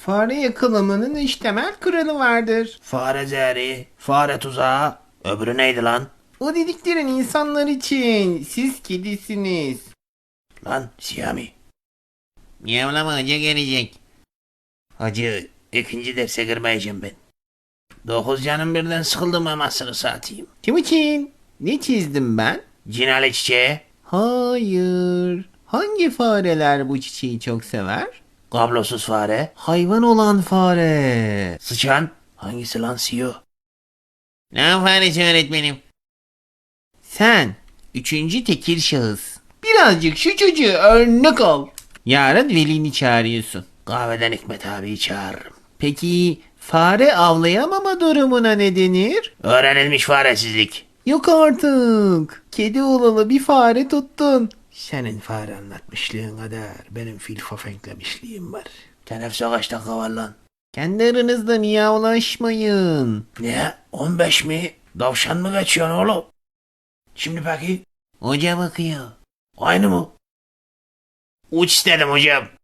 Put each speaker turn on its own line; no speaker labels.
Fare yakalamanın 3 temel kuralı vardır.
Fare zehri, fare tuzağı. Öbürü neydi lan?
O dediklerin insanlar için. Siz kedisiniz.
Lan Siyami.
Miyavlama hoca gelecek.
Hacı ikinci derse girmeyeceğim ben. 9 canım birden sıkıldım amasını satayım.
Timuçin, ne çizdim ben?
Cinali çiçeği.
Hayır. Hangi fareler bu çiçeği çok sever?
Kablosuz fare.
Hayvan olan fare.
Sıçan. Hangisi lan CEO?
Ne faresi öğretmenim? Sen, üçüncü tekil şahıs. Birazcık şu çocuğu örnek al. Yarın velini çağırıyorsun.
Kahveden Hikmet abiyi çağırırım.
Peki fare avlayamama durumuna ne denir?
Öğrenilmiş faresizlik.
Yok artık. Kedi olalı bir fare tuttun.
Senin fare anlatmışlığın kadar benim fil fafenklemişliğim var. Teneffüse kaç dakika var lan?
Kendi aranızda miyavlaşmayın.
Ne? 15 mi? Davşan mı geçiyorsun oğlum? Şimdi peki?
Hoca bakıyor.
Aynı mı? Uç istedim hocam.